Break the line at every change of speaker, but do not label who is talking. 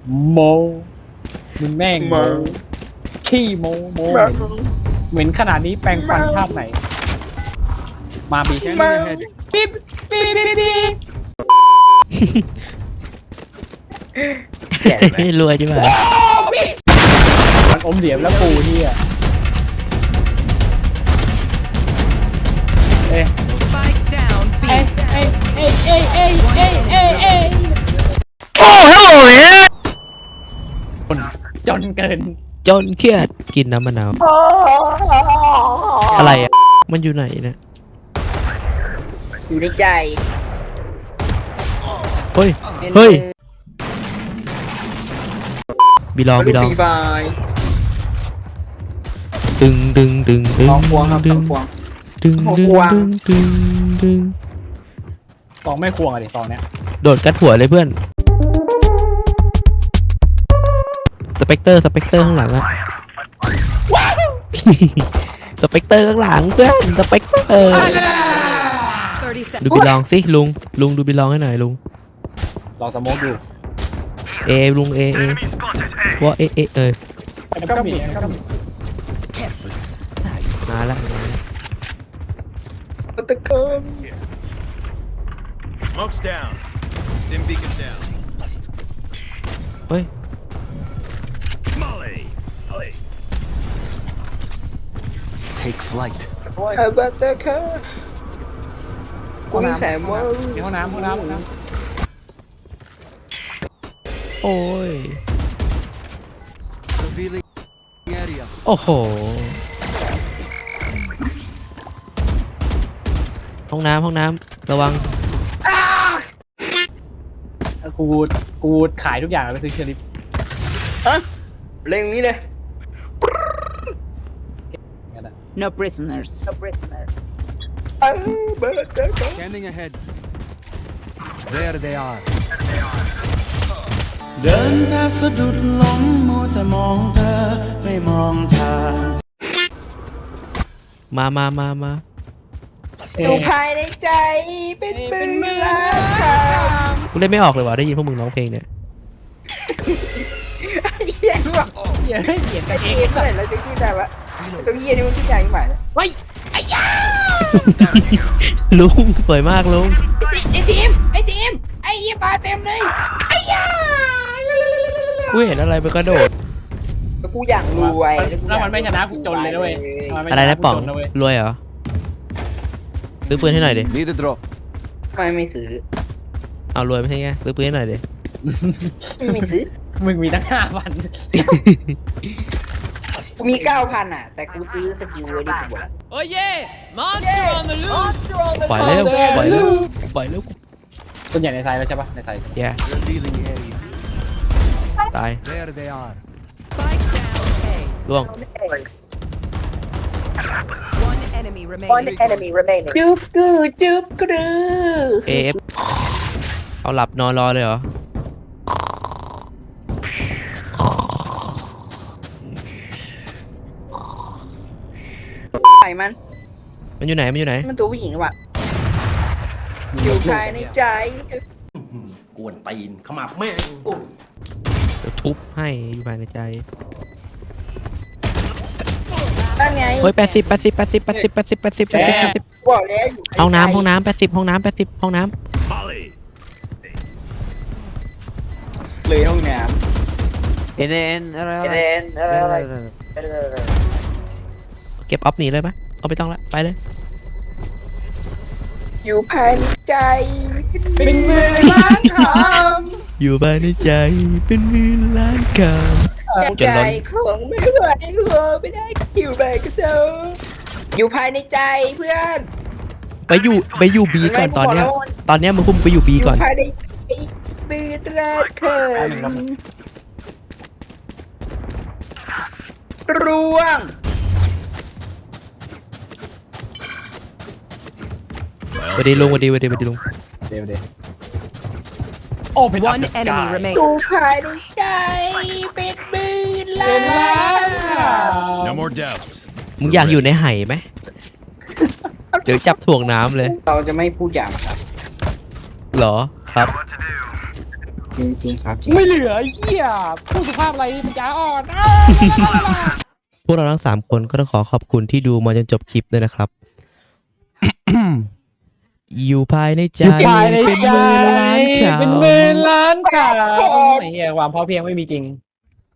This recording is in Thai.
โมมึงแม่งโมขี้โมเหม็นขนาดนี้แปลงฟันภาพไหนมาบีปี๊บปี๊บปี๊บ
รวยจังเลย
มันอมเหลี่ยมแล้วปูที่อ่ะเอ้ย
Spikes down. B.
จนเกิน
จนเครียดกินน้ำมะนาวอะไรอ่ะมันอยู่ไหนเนี่ย
อยู่ในใจ
เฮ้ยเฮ้ยบีลอง
ฟรีไฟ
ดึงดึงดึงดึง
ลองพวงครับ
ดึ
ลอง งพวง
ดึงดึง
ควง
ดึงดึงดึง
ซองไม่ควงอะดิซองเนี้ย
โดดกัดหัวเลยเพื่อนสเปกเตอร์ข้างหลังอะสเปกเตอร์ข้างหลังเพื่อนสเปกเตอร์
30 seconds.
ดูบีลองสิลุงดูบีลองให้หน่อยลุง
ลองสโมกดู
ลุงว่าเอ
ก็มี
มาละ
ตะเกิน
Smoke's down. Stim beacon down.
เฮ้ย
Molly.
Take flight.
บัตเตอร์เคิร์กูมีแสงว่า
ห้องน้ำ
โอ้ย
Revealing area.
โอ้โหห้องน้ำระวัง
กูขายทุกอย่างแล้วไปซื้อเชอริฟ
เล่งนี้เลย
งั้นอะ
No prisoners.
บัตเตอร์เคิร์
Scanning ahead. There they are.
เดินแทบสะดุดล้มมัวแต่มองเธอไม่มองทาง
มา
อยู่ภายในใจเป็นปืนล้านคำ
กูเล่นไม่ออกเลยว่ะได้ยินพวกมึงร้องเพลงเนี่ย
เฮียว่ะ
เหี้ยเหี้ย
ไอ้เฮียเมื่อไหร่เราจะขึ้นได้วะตัวเฮียนี่มันขึ้นได้ยังไงเนี่ย
ลุงสวยมากลุง
ไอ้ทีมไอ้เฮียปลาเต็มเลย
กูเห็นอะไรไปกระโดด
แล้วกูอย่างรวย
แล้วมันไม่ชนะกูจนเลยด้วย
อะไรนะป๋องรวยเหรอซื้อปืนให้หน่อยดิ
Need a drop.
ไม่ซื้อ
เอารวยไม่ใช่ไงซื้อปืนให้หน่อยดิ
ไม่ซื้อ
มึงมีตั้ง5,000
กูมี 9,000 อ่ะ แต่กูซื้อสกิลไว้ดิกูบอก
Oh yeah! Monster on the loose!
ปล่อยแล้วปล่อยแล้ว
ส่วนใหญ่ในไซส์แล้วใช่ปะในไซส์
แย่
Revealing area.
ตาย
There they are.
Spike down. A.
ล่วง
One enemy remaining.
จุ๊บกูจุ๊บกูดู
AF เอาหลับนอนรอเลยเหรอ
ไหนมัน
มันอยู่ไหน
มันตัวผู้หญิงหรือเปล่าอยู่ภายในใจ
กวนตีนขมับแม่ง
เดี๋ยวทุบให้อยู่ภายในใจ
นั่นไง
เฮ้ย80
บอกแล้วอยู่
ห้องน้ำ80ห้องน้ำ80ห้องน้
Molly.
เลยห้องน้
ำเอ็นอะไรเก็บออฟหนีเลยปะเอาไปต้องละไปเลย
ำอยู่ภายในใจ
เป็นมือล้างค
อยู่ภายในใจเป็นหมื่นล้านค
ใจของไม่ไหวรัวไม่ได้อยู่ไปก็เซลอยู่ภายในใจเพื่อน
ำไปอยู่บีก่อนตอนเนี้ยมึงคุมไปอยู่บี
อยู่
ก่อน
ภายในใจมือตราดเขินร่วง
สวัสดีลุงสวัสดีลุง
ำเดี๋ยวโอ้เป็น
One enemy
อ
remaining.
ยู่ภายในใจเป็นมือล้าน
No more doubts.
มึงอยากอยู่ในไหไหม เดี๋ยวจับถ่วงน้ำเลย
เราจะไม่พูดอย่างครับ
เหรอครับ
จริงครับจริง
ไม่เหลือไอ้เหี้ยผู้สุภาพอะไรปัญญาอ่อน
พวกเราทั้ง3คนก็ต้องขอขอบคุณที่ดูมาจนจบคลิปด้วยนะครับ อยู่ภายในใจ
อยู่ภายในใจ
เป็นหมื่นล้านคำ
เป็นหมื่นล้านค่ะไอ้เหี้ยความพอเพียงไม่มีจริง